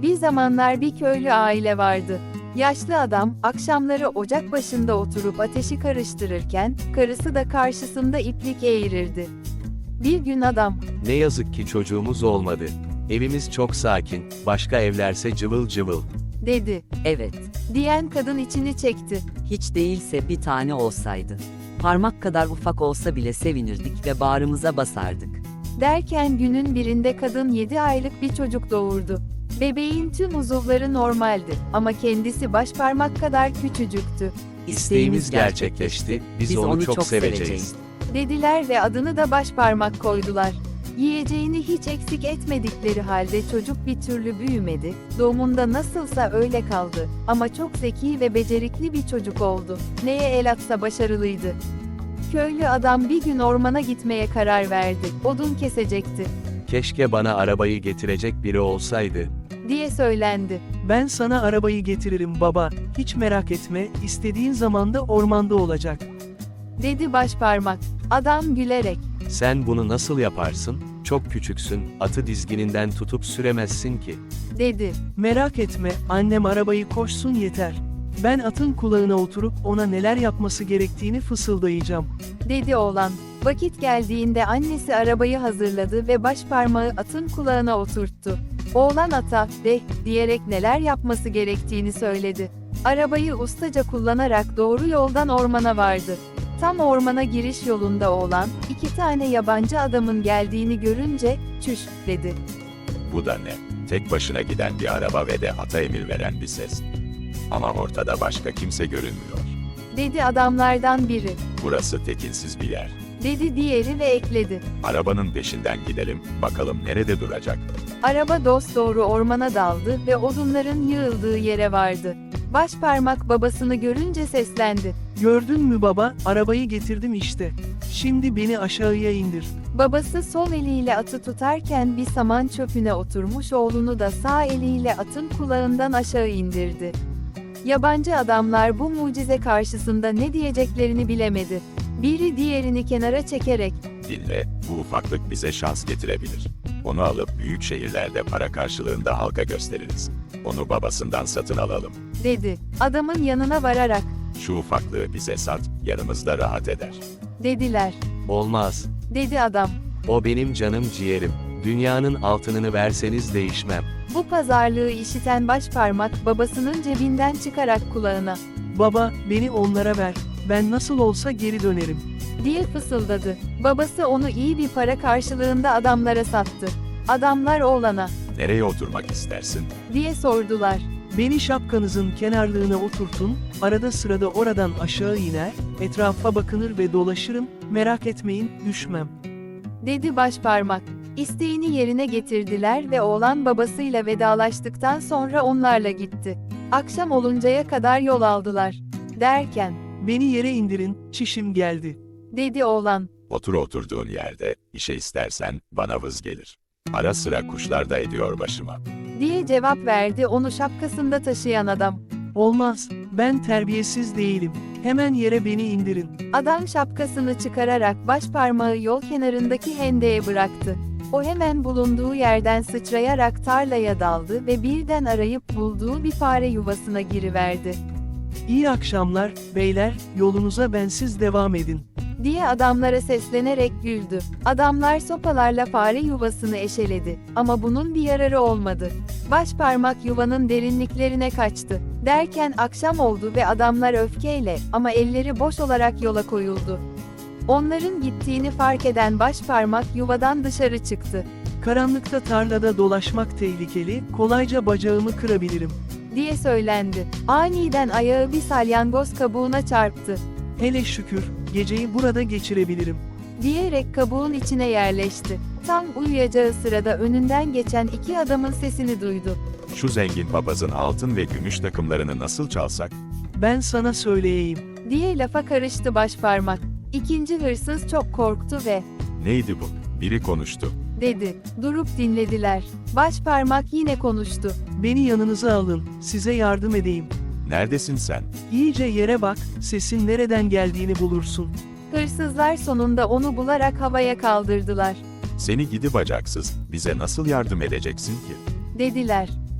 Bir zamanlar bir köylü aile vardı. Yaşlı adam, akşamları ocak başında oturup ateşi karıştırırken, karısı da karşısında iplik eğirirdi. Bir gün adam, Ne yazık ki çocuğumuz olmadı. Evimiz çok sakin, başka evlerse cıvıl cıvıl. dedi, Evet, diyen kadın içini çekti. hiç değilse bir tane olsaydı. Parmak kadar ufak olsa bile sevinirdik ve bağrımıza basardık. Derken günün birinde kadın 7 aylık bir çocuk doğurdu. Bebeğin tüm uzuvları normaldi ama kendisi başparmak kadar küçücüktü, İsteğimiz gerçekleşti, biz onu çok seveceğiz. dediler ve adını da başparmak koydular. Yiyeceğini hiç eksik etmedikleri halde çocuk bir türlü büyümedi, doğumunda nasılsa öyle kaldı ama çok zeki ve becerikli bir çocuk oldu. Neye el atsa başarılıydı. Köylü adam bir gün ormana gitmeye karar verdi, odun kesecekti, Keşke bana arabayı getirecek biri olsaydı. diye söylendi. Ben sana arabayı getiririm baba, hiç merak etme, istediğin zamanda ormanda olacak. Dedi başparmak. Adam gülerek, Sen bunu nasıl yaparsın? Çok küçüksün, atı dizgininden tutup süremezsin ki. dedi. Merak etme, annem arabayı koşsun yeter. Ben atın kulağına oturup ona neler yapması gerektiğini fısıldayacağım. Dedi oğlan. Vakit geldiğinde annesi arabayı hazırladı ve başparmağı atın kulağına oturttu. Oğlan ata, "De" diyerek neler yapması gerektiğini söyledi. Arabayı ustaca kullanarak doğru yoldan ormana vardı. Tam ormana giriş yolunda oğlan, 2 tane yabancı adamın geldiğini görünce, "Çüş," dedi. Bu da ne? Tek başına giden bir araba ve de ata emir veren bir ses. Ama ortada başka kimse görünmüyor. Dedi adamlardan biri. Burası tekinsiz bir yer. Dedi diğeri ve ekledi. Arabanın peşinden gidelim, bakalım nerede duracak. Araba dosdoğru ormana daldı ve odunların yığıldığı yere vardı. Başparmak babasını görünce seslendi. Gördün mü baba, arabayı getirdim işte. Şimdi beni aşağıya indir. Babası sol eliyle atı tutarken bir saman çöpüne oturmuş oğlunu da sağ eliyle atın kulağından aşağı indirdi. Yabancı adamlar bu mucize karşısında ne diyeceklerini bilemedi. Biri diğerini kenara çekerek, Dinle, bu ufaklık bize şans getirebilir. Onu alıp büyük şehirlerde para karşılığında halka gösteririz. Onu babasından satın alalım. dedi. Adamın yanına vararak, Şu ufaklığı bize sat, yanımızda rahat eder. dediler. Olmaz. Dedi adam. O benim canım ciğerim. Dünyanın altınını verseniz değişmem. Bu pazarlığı işiten başparmak babasının cebinden çıkarak kulağına, Baba, beni onlara ver. Ben nasıl olsa geri dönerim. diye fısıldadı. Babası onu iyi bir para karşılığında adamlara sattı. Adamlar oğlana, Nereye oturmak istersin? diye sordular. Beni şapkanızın kenarlığına oturtun, arada sırada oradan aşağı iner, etrafa bakınır ve dolaşırım, merak etmeyin, düşmem. Dedi başparmak. İsteğini yerine getirdiler ve oğlan babasıyla vedalaştıktan sonra onlarla gitti. Akşam oluncaya kadar yol aldılar. Derken, Beni yere indirin, çişim geldi. dedi oğlan. Otur oturduğun yerde, işe istersen bana vız gelir. Ara sıra kuşlar da ediyor başıma. Diye cevap verdi onu şapkasında taşıyan adam. Olmaz, ben terbiyesiz değilim. Hemen yere beni indirin. Adam şapkasını çıkararak başparmağı yol kenarındaki hendeye bıraktı. O hemen bulunduğu yerden sıçrayarak tarlaya daldı ve birden arayıp bulduğu bir fare yuvasına giriverdi. İyi akşamlar, beyler, yolunuza bensiz devam edin. Diye adamlara seslenerek güldü. Adamlar sopalarla fare yuvasını eşeledi. Ama bunun bir yararı olmadı. Başparmak yuvanın derinliklerine kaçtı. Derken akşam oldu ve adamlar öfkeyle ama elleri boş olarak yola koyuldu. Onların gittiğini fark eden başparmak yuvadan dışarı çıktı. Karanlıkta tarlada dolaşmak tehlikeli, kolayca bacağımı kırabilirim. Diye söylendi. Aniden ayağı bir salyangoz kabuğuna çarptı. Hele şükür, geceyi burada geçirebilirim. Diyerek kabuğun içine yerleşti. Tam uyuyacağı sırada önünden geçen 2 adamın sesini duydu. Şu zengin papazın altın ve gümüş takımlarını nasıl çalsak? Ben sana söyleyeyim. Diye lafa karıştı başparmak. İkinci hırsız çok korktu ve Neydi bu? Biri konuştu. dedi. Durup dinlediler. Başparmak yine konuştu. Beni yanınıza alın, size yardım edeyim. Neredesin sen? İyice yere bak, sesin nereden geldiğini bulursun. Hırsızlar sonunda onu bularak havaya kaldırdılar. Seni gidi bacaksız, bize nasıl yardım edeceksin ki? Dediler.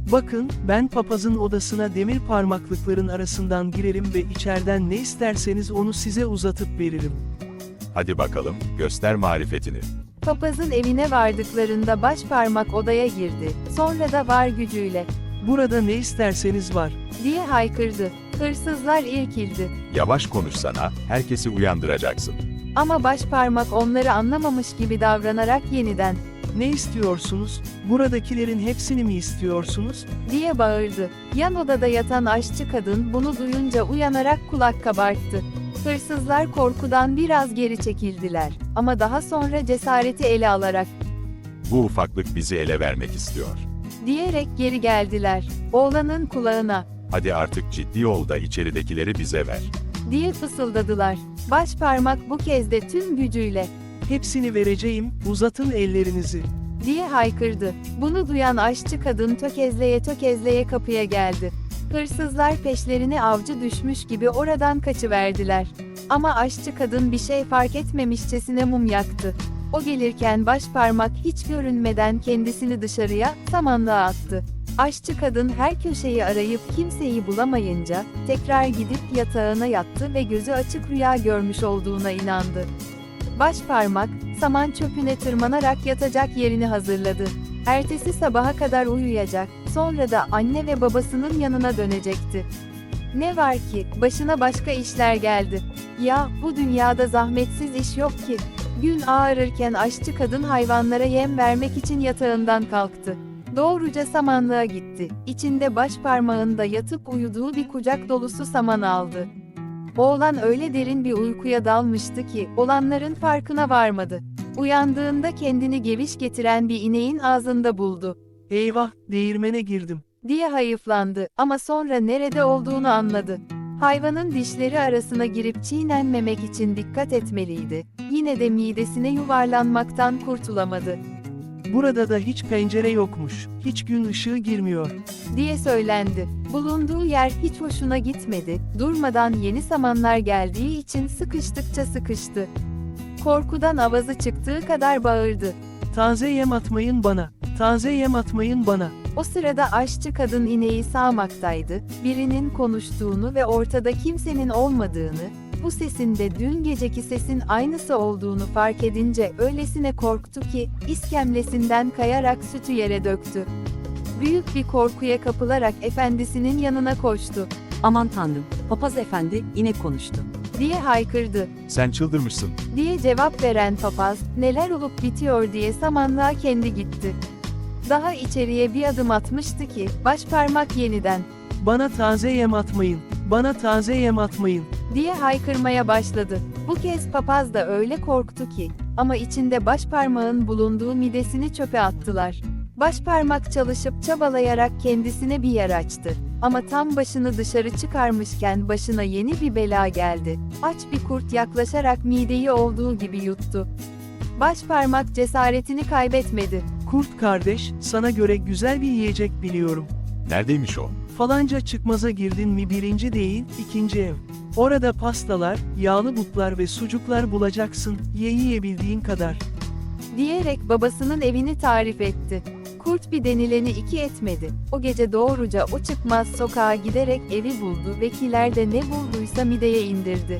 Bakın, ben papazın odasına demir parmaklıkların arasından girerim ve içeriden ne isterseniz onu size uzatıp veririm. Hadi bakalım, göster marifetini. Papazın evine vardıklarında başparmak odaya girdi. Sonra da var gücüyle Burada ne isterseniz var. diye haykırdı. Hırsızlar irkildi. Yavaş konuşsana, herkesi uyandıracaksın. Ama başparmak onları anlamamış gibi davranarak yeniden Ne istiyorsunuz? Buradakilerin hepsini mi istiyorsunuz? diye bağırdı. Yan odada yatan aşçı kadın bunu duyunca uyanarak kulak kabarttı. Hırsızlar korkudan biraz geri çekildiler. Ama daha sonra cesareti ele alarak Bu ufaklık bizi ele vermek istiyor. diyerek geri geldiler. Oğlanın kulağına Hadi artık ciddi ol da içeridekileri bize ver. diye fısıldadılar. Başparmak bu kez de tüm gücüyle Hepsini vereceğim, uzatın ellerinizi. diye haykırdı. Bunu duyan aşçı kadın tökezleye tökezleye kapıya geldi. Hırsızlar peşlerine avcı düşmüş gibi oradan kaçıverdiler. Ama aşçı kadın bir şey fark etmemişçesine mum yaktı. O gelirken başparmak hiç görünmeden kendisini dışarıya, samanlığa attı. Aşçı kadın her köşeyi arayıp kimseyi bulamayınca, tekrar gidip yatağına yattı ve gözü açık rüya görmüş olduğuna inandı. Başparmak, saman çöpüne tırmanarak yatacak yerini hazırladı. Ertesi sabaha kadar uyuyacak, sonra da anne ve babasının yanına dönecekti. Ne var ki, başına başka işler geldi. Ya, bu dünyada zahmetsiz iş yok ki. Gün ağarırken aşçı kadın hayvanlara yem vermek için yatağından kalktı. Doğruca samanlığa gitti. İçinde başparmağında yatıp uyuduğu bir kucak dolusu saman aldı. Oğlan öyle derin bir uykuya dalmıştı ki, olanların farkına varmadı. Uyandığında kendini geviş getiren bir ineğin ağzında buldu. Eyvah, değirmene girdim. Diye hayıflandı ama sonra nerede olduğunu anladı. Hayvanın dişleri arasına girip çiğnenmemek için dikkat etmeliydi. Yine de midesine yuvarlanmaktan kurtulamadı. Burada da hiç pencere yokmuş, hiç gün ışığı girmiyor. Diye söylendi. Bulunduğu yer hiç hoşuna gitmedi. Durmadan yeni samanlar geldiği için sıkıştıkça sıkıştı. Korkudan avazı çıktığı kadar bağırdı. Taze yem atmayın bana, taze yem atmayın bana. O sırada aşçı kadın ineği sağmaktaydı. Birinin konuştuğunu ve ortada kimsenin olmadığını, bu sesin de dün geceki sesin aynısı olduğunu fark edince öylesine korktu ki, iskemlesinden kayarak sütü yere döktü. Büyük bir korkuya kapılarak efendisinin yanına koştu. Aman tanrım, papaz efendi yine konuştu. Diye haykırdı. Sen çıldırmışsın. Diye cevap veren papaz, neler olup bitiyor diye samanlığa kendi gitti. Daha içeriye bir adım atmıştı ki, başparmak yeniden Bana taze yem atmayın, bana taze yem atmayın. diye haykırmaya başladı. Bu kez papaz da öyle korktu ki, ama içinde başparmağın bulunduğu midesini çöpe attılar. Başparmak çalışıp çabalayarak kendisine bir yer açtı. Ama tam başını dışarı çıkarmışken başına yeni bir bela geldi. Aç bir kurt yaklaşarak mideyi olduğu gibi yuttu. Başparmak cesaretini kaybetmedi. Kurt kardeş, sana göre güzel bir yiyecek biliyorum. Neredeymiş o? Falanca çıkmaza girdin mi birinci değil, ikinci ev. Orada pastalar, yağlı butlar ve sucuklar bulacaksın, yiyebildiğin kadar. Diyerek babasının evini tarif etti. Kurt bir denileni iki etmedi. O gece doğruca o çıkmaz sokağa giderek evi buldu ve kilerde ne bulduysa mideye indirdi.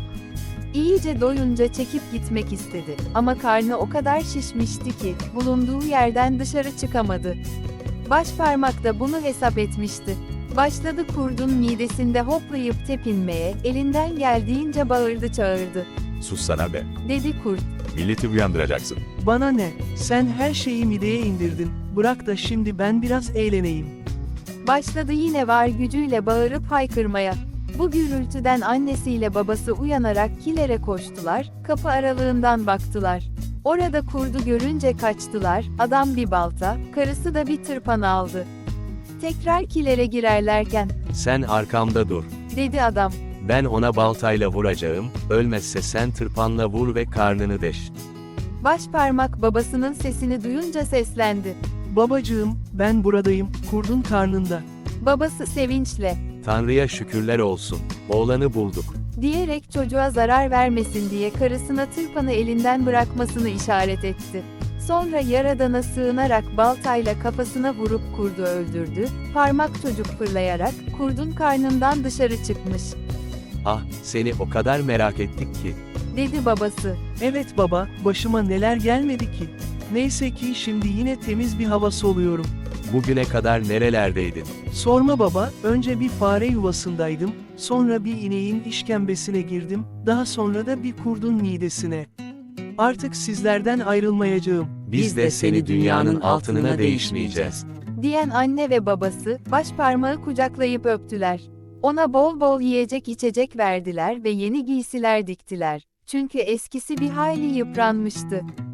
İyice doyunca çekip gitmek istedi. Ama karnı o kadar şişmişti ki, bulunduğu yerden dışarı çıkamadı. Başparmak da bunu hesap etmişti. Başladı kurdun midesinde hoplayıp tepinmeye, elinden geldiğince bağırdı çağırdı. Sussana be. Dedi kurt. Milleti uyandıracaksın. Bana ne, sen her şeyi mideye indirdin, bırak da şimdi ben biraz eğleneyim. Başladı yine var gücüyle bağırıp haykırmaya. Bu gürültüden annesiyle babası uyanarak kilere koştular, kapı aralığından baktılar. Orada kurdu görünce kaçtılar, adam bir balta, karısı da bir tırpan aldı. Tekrar kilere girerlerken, Sen arkamda dur. dedi adam. Ben ona baltayla vuracağım, ölmezse sen tırpanla vur ve karnını deş. Başparmak babasının sesini duyunca seslendi. Babacığım, ben buradayım, kurdun karnında. Babası sevinçle, Tanrı'ya şükürler olsun, oğlanı bulduk. diyerek çocuğa zarar vermesin diye karısına tırpanı elinden bırakmasını işaret etti. Sonra yaradana sığınarak baltayla kafasına vurup kurdu öldürdü, parmak çocuk fırlayarak kurdun karnından dışarı çıkmış, Ah, seni o kadar merak ettik ki. dedi babası. Evet baba, başıma neler gelmedi ki. Neyse ki şimdi yine temiz bir hava soluyorum. Bugüne kadar nerelerdeydin? Sorma baba, önce bir fare yuvasındaydım, sonra bir ineğin işkembesine girdim, daha sonra da bir kurdun midesine. Artık sizlerden ayrılmayacağım. Biz de seni dünyanın altınına değişmeyeceğiz. Diyen anne ve babası, başparmağı kucaklayıp öptüler. Ona bol bol yiyecek içecek verdiler ve yeni giysiler diktiler. Çünkü eskisi bir hayli yıpranmıştı.